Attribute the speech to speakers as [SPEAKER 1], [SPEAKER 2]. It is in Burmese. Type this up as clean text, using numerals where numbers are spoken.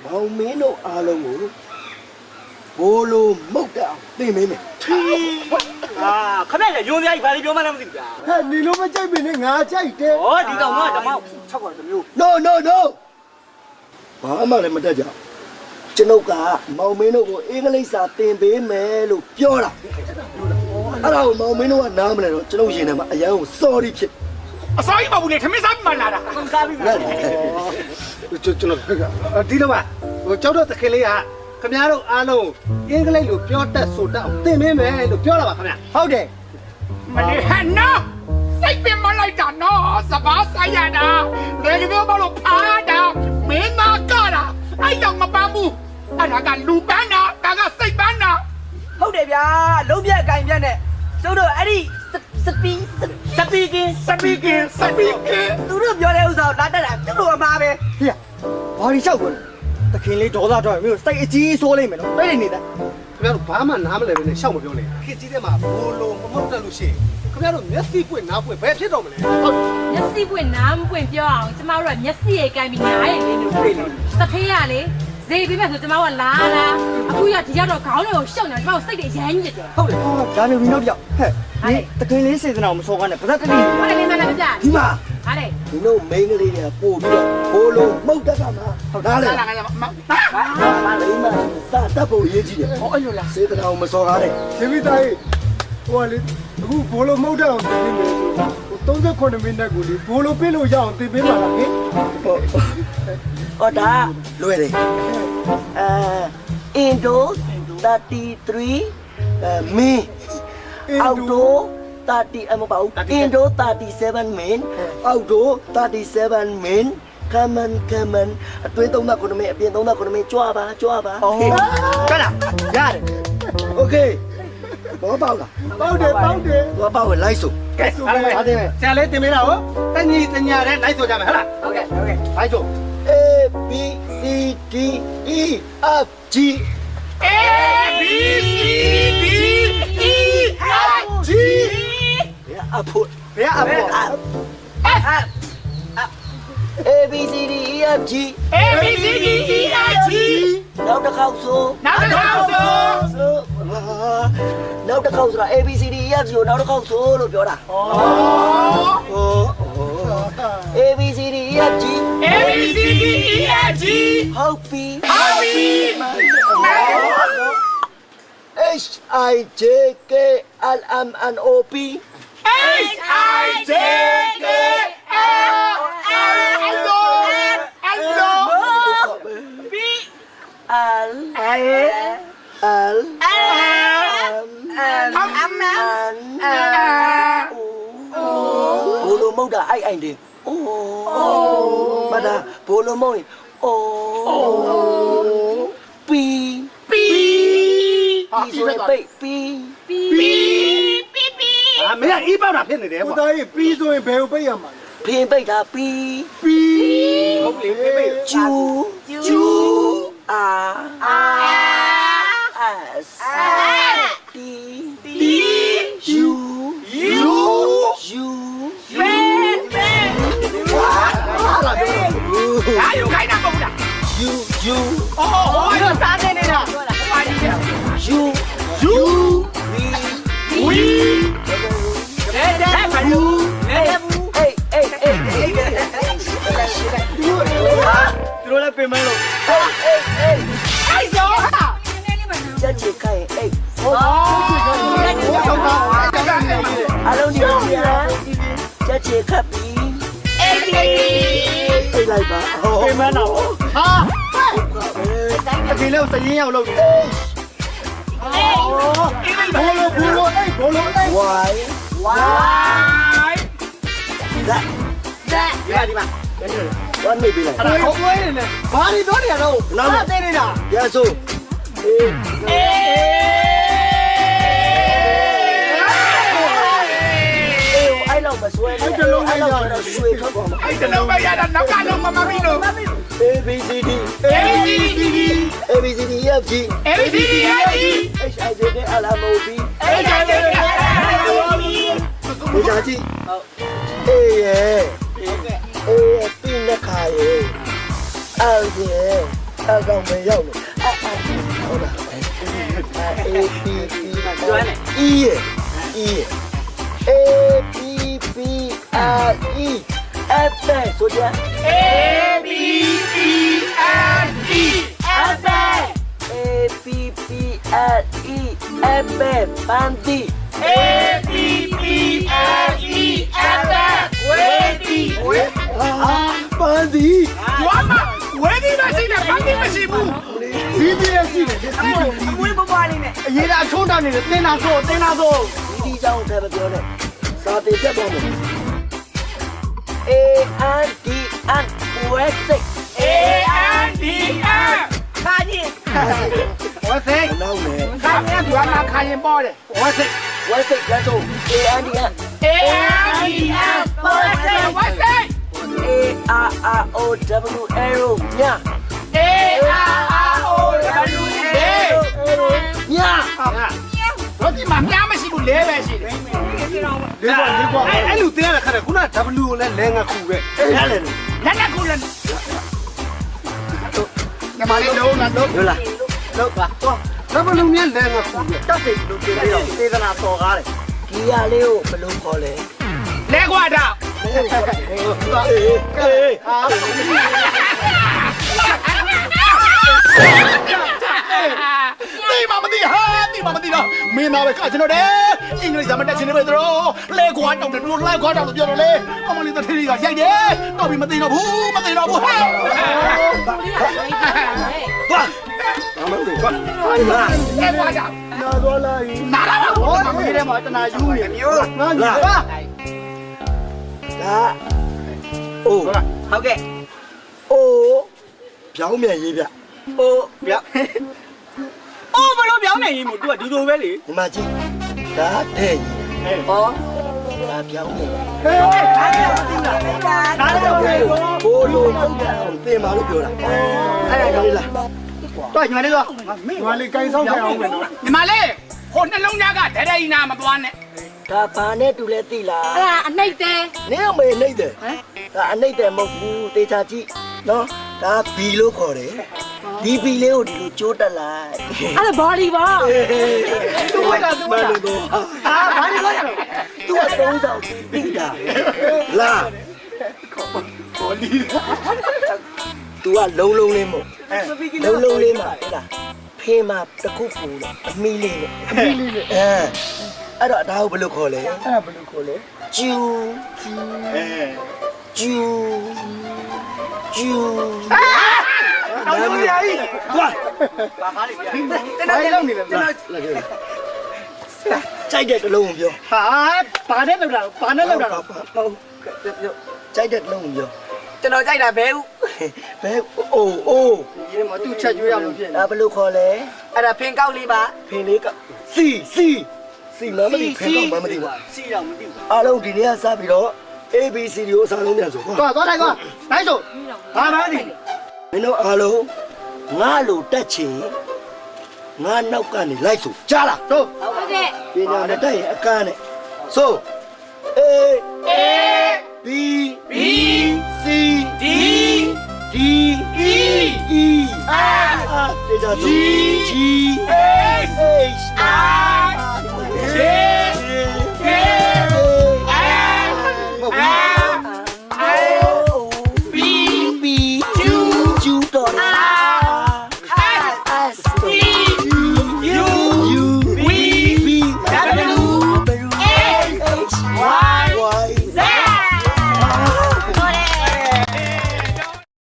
[SPEAKER 1] မောင်မင်းတို့အားလုံးကိုဘိုးလိုမုတ်တောင်သိမင်းမယ်
[SPEAKER 2] ခမရရုံးစရာကြီးဘာလို့ပြောမှန်းမသိဘူးဗျာ
[SPEAKER 1] ဟဲ့နေလို့မကြိုက်မင်းနဲ့ငါကြိုက်တယ်
[SPEAKER 2] ဩဒီကောင်ကဓမ္မ6កว่าတစ်မျိုး
[SPEAKER 1] no ဘာမှလည်းမတတ်ကြကျွန်ုပ်ကမောင်မင်းတို့ကိုအင်္ဂလိပ်စာသင်ပေးမယ်လို့ပြောတာအဲ့ဒါကိုမောင်မင်းတို့ကနားမလဲတော့ကျွန်ုပ်ရင်ထဲမှာအရန်ကို sorry ဖြစ်
[SPEAKER 3] အစောကြီးမဟုတ်ဘူးလေထမင်းစားပြီးမှလာတာ
[SPEAKER 2] စားပြီးပြီ
[SPEAKER 4] ကျွန်တော်ဒီလိုပါဟိုကျောက်တော့တခင်လေးကခင်ဗျားတို့အားလုံးအင်္ဂလိပ်လိုပြောတတ်ဆိုတတ်အောင်သင်ပေးမယ်လို့ပြောတာပါခင်ဗျာ
[SPEAKER 1] ဟုတ်တယ်
[SPEAKER 3] မလေးဟန်နော်စိတ်ပင်မလိုက်တာနော်စပါးဆိုင်ရတာလေကမျိုးမလို့ဖားတာမင်းသားကတာအဲ့တော့မပန်းဘူးအဲ့ဒါကလူပန်းတာဒါကစိတ်ပန်းတာ
[SPEAKER 2] ဟုတ်တယ်ဗျာလုံးပြက်အကင်ပြက်နဲ့ကျုပ်တို့အဲ့ဒီစပီကင်းသူတို့ပြောတဲ့ဥစ္စာကိုလာတက်တာကျုပ်တို့အမှားပဲ
[SPEAKER 1] ဟေ့ဘာဒီလျှောက်ကုန်တခင်လေးဒေါသတော့မျိုးစိတ်အကြီးဆိုးလိမ့်မယ်နော်တိတ်နေတယ်
[SPEAKER 4] ခင်ဗျားတို့ဘာမှနားမလဲပဲနဲ့ရှောက်မပြောနဲ့ခေကြီးထဲမှာဘိုးလိုမမုတ်တက်လို့ရှိရင်ခင်ဗျားတို့မျက်စိပွင့်နားပွင့်ဘယ်ဖြစ်တော့မလဲဟုတ်
[SPEAKER 5] မျက်စိပွင့်နားမပွင့်ပြောအောင်ကျမတို့ကမျက်စိရဲ့ကိုင်းပြီးနားရဲ့လေးလို့တွေ့လို့တဖေးရလေဈေးပေးမယ်ဆိုကျမတို့ကလာအခုရဒီရောက်တော့ခေါင်းတွေကိုရှုံနေတာကျမတို့စိတ်တွေရမ်းညစ်တယ်
[SPEAKER 1] ဟုတ်တယ်ဒါနေပြီးနောက်တစ်ယောက်ဟဲ့ဒီတခင်လေးစေတနာကိုမစော်ကားနဲ့ပါဇက်တတိ
[SPEAKER 5] ဟုတ်တယ်မင်းမလည်းမကြ
[SPEAKER 1] ဒီမှာ
[SPEAKER 5] ဟာလေ
[SPEAKER 1] ဒီတို့မိန်းကလေးတွေကပို့ပြီးတော့ဘိုးလိုမုတ်တတ်တာမှာဟုတ်လားလေ
[SPEAKER 3] လာကမ
[SPEAKER 1] ဟာလိမ့်မစတတ်ဖို့ရေးကြည့်တယ်
[SPEAKER 2] ဟောအဲ့လိုလား
[SPEAKER 1] စေတနာကိုမစော်ကားနဲ့
[SPEAKER 4] ရှင်မိသားကြီးဟိုကလေအခုဘိုးလိုမုတ်တက်အောင်သင်ပေးမယ်ဆို39မိနစ်ကိုလေဘိုးလိုပြလို့ရအောင်သင်ပေးပါလားဟင်
[SPEAKER 1] ဟောဒါလွယ်တယ်Indo 33 main Auto 30မပေါ့ Indo 37 main Auto 37 main Come on အတွင်း3ခုမင်းအပြင်3ခုမင်းကြွားပါ
[SPEAKER 2] ဟုတ်ကဲ့လားရတယ်
[SPEAKER 1] Okay ဘောပေါက်လား
[SPEAKER 4] ပေါက်တယ်
[SPEAKER 1] ဘောပေါက်ကိုလိုက်စို့
[SPEAKER 4] ကဲအားလုံးပါတယ်ဆရာလေးတင်ပေးတာဟောတညီတညာတဲ့လိုက်ဆိုကြမယ်ဟဟလား
[SPEAKER 2] ဟုတ်ကဲ့
[SPEAKER 4] လိုက်ဆို
[SPEAKER 1] A B C D E F G
[SPEAKER 3] A B C D E F G
[SPEAKER 1] အဖို့
[SPEAKER 4] ဘယ်အဖို့
[SPEAKER 1] A B C D E F G
[SPEAKER 3] A B C D E F G
[SPEAKER 1] နောက်တစ်ခေါက်ဆို
[SPEAKER 3] နောက်တစ်ခေါက်ဆို
[SPEAKER 1] ဆိုတာ A B C D E F G ကိုနောက်တစ်ခေါက်ဆိုလို့ပြောတာA B C D E F G
[SPEAKER 3] A B C D E F G
[SPEAKER 1] ဟုတ်ပြီ H I J K L M N O P
[SPEAKER 3] H I J K L M N O P
[SPEAKER 1] L Lဘိုလိုမုတ်တာအိုင်တယ်အိုးမတာဘိုလိုမုတ်ရင်အိုးပီဆိုရင်ပိတ်ပီ
[SPEAKER 4] မင်းကအေးပေါက်တာဖြစ်နေတယ်ကွာ
[SPEAKER 1] ကိုသားကြီးပီဆိုရင်ဘယ်ကိုပိတ်ရမှာလဲဖင်ပိတ်တာပီ
[SPEAKER 4] ဟုတ်လေပိတ်
[SPEAKER 1] ကျူအာ S T U
[SPEAKER 3] ဟာယူခိုင်းတာမဟုတ်လား
[SPEAKER 1] U
[SPEAKER 3] အော်စားနေနေတာဟာဒီက
[SPEAKER 1] U
[SPEAKER 3] We
[SPEAKER 2] တဲ့ဘာလို့သူတို့လည်းပြင်မလို့
[SPEAKER 3] အဲ့ဆိုဟာ
[SPEAKER 1] ချက်ချခိုင်အိတ်
[SPEAKER 3] အော်
[SPEAKER 1] အလုံးဒီချက်ချခပ်ပြီးပြေးလိုက်ပါ
[SPEAKER 2] ပြင်မတော့
[SPEAKER 4] ဟာအဖေလေးကိုစရင်ရောက်လို့ဘိုလိုအိတ်
[SPEAKER 1] Why that
[SPEAKER 2] ဒီမှာ
[SPEAKER 1] ဘာနေပြီလဲ
[SPEAKER 4] အဲ့ဒါကိုယ်နေနဲ့ဘာတွေပြောနေရတော့
[SPEAKER 1] နောက်
[SPEAKER 4] သိနေတာ
[SPEAKER 1] ရဆိုအဲ့လောက်မဆွဲနဲ့အဲ့လောက်တော့ရွှေထွက်သွားမှာ
[SPEAKER 3] အဲ့တလုံးပဲရတာနောက်ကလုံးမမပြီးလို့
[SPEAKER 1] A B C D A B C D F G H I J K L M O P ဘုရားကြီးအေးရဲ့အေးရဲ့ပြင်းတဲ့ခါရဲ့အော်ရဲ့ကောင်ပဲရောက်လို့ဟုတ်လား A B B E E A B B R E F ဆိုကြ
[SPEAKER 3] A B B N E F
[SPEAKER 1] A B B R E F ပန်းတီ
[SPEAKER 3] A B B N E F ဝေဒီဝေ
[SPEAKER 1] ပန်းတီ
[SPEAKER 3] ကျွမ်းမဝေဒီမရှိနဲ့ဘာတိမရှိဘူး
[SPEAKER 4] စီးပြီးရရှိတယ်စီးပြီး
[SPEAKER 2] အမွေးပွားလေးနဲ့
[SPEAKER 4] အရေးအချုံးတာနေတယ်တင်းတာဆိုတင်းတာဆို
[SPEAKER 1] ဒီကြောင့်လည်းမပြောနဲ့စာပေပြတ်သွားမယ် A N D N West
[SPEAKER 3] A N D N
[SPEAKER 2] ခါကြီး
[SPEAKER 4] ဝတ်စိတ်
[SPEAKER 1] နောက်နဲ့
[SPEAKER 3] ခါမြတ်ကျွမ်းမခါရင်ပေါ်တယ်
[SPEAKER 4] ဝတ်စိတ်
[SPEAKER 1] West လက်ဆုံး A N D N
[SPEAKER 3] A N D N ပေါ်တယ်ဝတ်စိတ်
[SPEAKER 1] A R R O W arrow ည
[SPEAKER 3] A R O W A
[SPEAKER 1] ည
[SPEAKER 3] တော့ဒီမှာပြားမရှိဘူးလဲပဲရှိတယ်
[SPEAKER 4] လေးကွာအဲ့လိုတင်းရတဲ့ခါကခုန W ကိုလည်းလဲငါခုပဲ
[SPEAKER 1] အဲ့ဒါလည်း
[SPEAKER 3] လက်နဲ့ကိုလည်းညီမလေးလုံးလားလုံး
[SPEAKER 1] ဟုတ်လား
[SPEAKER 4] လောက်ပါတော့ W နဲ့လဲငါခုပဲ
[SPEAKER 1] တက်စိတ်လို့ပြောပြီးတော့သေဒနာပေါ်ကားတယ်ဒီရလေးကိုဘယ်လိုခေါ်လဲ
[SPEAKER 3] လဲခွာတော့
[SPEAKER 4] တေးမမသိဟာတေးမမသိတော့မင်းသားပဲကကျွန်တော်တယ်အင်္ဂလိပ်စာမတက်ချင်နေပဲတို့လဲကွာတောင်းတယ်တို့လဲကွာတောင်းလို့ပြောတော့လေအမလေးတထေးကြီးကရိုက်တယ်တော့ပြီးမသိတော့ဘူးမသိတော့ဘူးဟဲ့
[SPEAKER 1] သွားအမလေးသွားဟာလာ
[SPEAKER 3] လဲခွာတော့
[SPEAKER 1] နာသွားလိုက်
[SPEAKER 3] နားလာပါ
[SPEAKER 4] ဟောဒီထဲမှာတနာယူနေမျိုးငါကြီးပါ
[SPEAKER 1] ဒါအိုး
[SPEAKER 2] ဟုတ်ကဲ့
[SPEAKER 1] အိုးပြောင်းမြန်ရေးဗျ
[SPEAKER 2] ဟိုဗျအိုးဘလို့ပြောင်းနေရင်မို့ तू ကဒီလိုပဲလေ
[SPEAKER 1] ဒီမှာကြည့်ဒါတဲ့ကြီး
[SPEAKER 2] ဟော
[SPEAKER 1] ဒါပြောင်းနေ
[SPEAKER 2] ဟေးအားရမသိလားနားလည်းပဲကို
[SPEAKER 1] ဘိုးလိုတုတ်တယ်အောင်သင်ပါလို့ပြောတာအဲ့ဒါလေးလား
[SPEAKER 4] တော့ညီမလေးတော့ညီမလေးကိုင်းဆောင်ခဲ့အောင်မယ်နော်
[SPEAKER 3] ညီမလေးဟိုနှလုံးသားကဒဲဒဲကြီးနာမသွားနဲ့
[SPEAKER 1] ဒါဘာနဲ့တူလဲသိလား
[SPEAKER 5] အဲ့ဒါအနှိမ့်တယ်
[SPEAKER 1] နင်းအမေနှိမ့်တယ်ဒါအနှိမ့်တယ်မဟုတ်ဘူးတေချာကြည့်နော်ဒါဘီလို့ခေါ်တယ်ဒီဘီလေးကိုဒီလိုကျိုးတက်လိုက်
[SPEAKER 5] အဲ့ဒါဘောလီဘော
[SPEAKER 1] သူ့ဝက်ကသူ့ဝက်တော့အာဘာလို့လဲသူ့ကသုံးဆောင်တိတာလာခေါ်လီသူကလုံးလုံးလေးမို့လုံးလုံးလေးမှာဟဲ့လားဖေးမှာတခုပူတယ်အမီလေးနဲ့အဲ့တော့ဒါကိုဘယ်လိုခေါ်လဲအဲ့ဒါဘယ်လိုခေါ်လဲကျူကျူကျူကျူတော်ရည်ကြီးသွား
[SPEAKER 2] ပါကားလေးပြ
[SPEAKER 4] ဘာလို့နေလဲဗျာ
[SPEAKER 1] ကြိုက်တဲ့တလုံးကိုပြော
[SPEAKER 4] ဟာဘာနဲ့လောက်တာဘာနဲ့လောက်တာ
[SPEAKER 1] ဟုတ်ကြိုက်တဲ့တလုံးကိုပြော
[SPEAKER 2] ကျွန်တော်ကြိုက်တာဘဲဥ
[SPEAKER 1] ဘယ်အိုးအိုး
[SPEAKER 4] ဒီမှာသူ့ချက်ကျွေးရလို့ဖြစ်နေ
[SPEAKER 1] ဒါဘယ်လိုခေါ်လဲ
[SPEAKER 2] အဲ့ဒါဖင်ကောက်လေးပါ
[SPEAKER 1] ဖင်လေးကစီမမသိဖင်တော့မမသိဘူး
[SPEAKER 2] စီတော့မသိဘူး
[SPEAKER 1] အားလုံးဒီနေ့ကစပြီးတော့ ABC ကိုအစားလုံးပြန်ဆိုကွာ
[SPEAKER 4] သွားထိုင်ကွာနိုင်ဆိုဘာမှမသိ
[SPEAKER 1] မင်းတို့အားလုံးငါလိုတက်ချင်ငါနောက်ကနေလိုက်ဆိုကြားလား
[SPEAKER 4] ဆို
[SPEAKER 5] ဟုတ်ကဲ့
[SPEAKER 1] ပညာနဲ့တက်ရင်အကန်းနဲ့ဆို A B
[SPEAKER 3] B
[SPEAKER 1] C
[SPEAKER 3] D
[SPEAKER 1] D
[SPEAKER 3] E
[SPEAKER 1] E F G
[SPEAKER 3] G
[SPEAKER 1] H
[SPEAKER 3] I J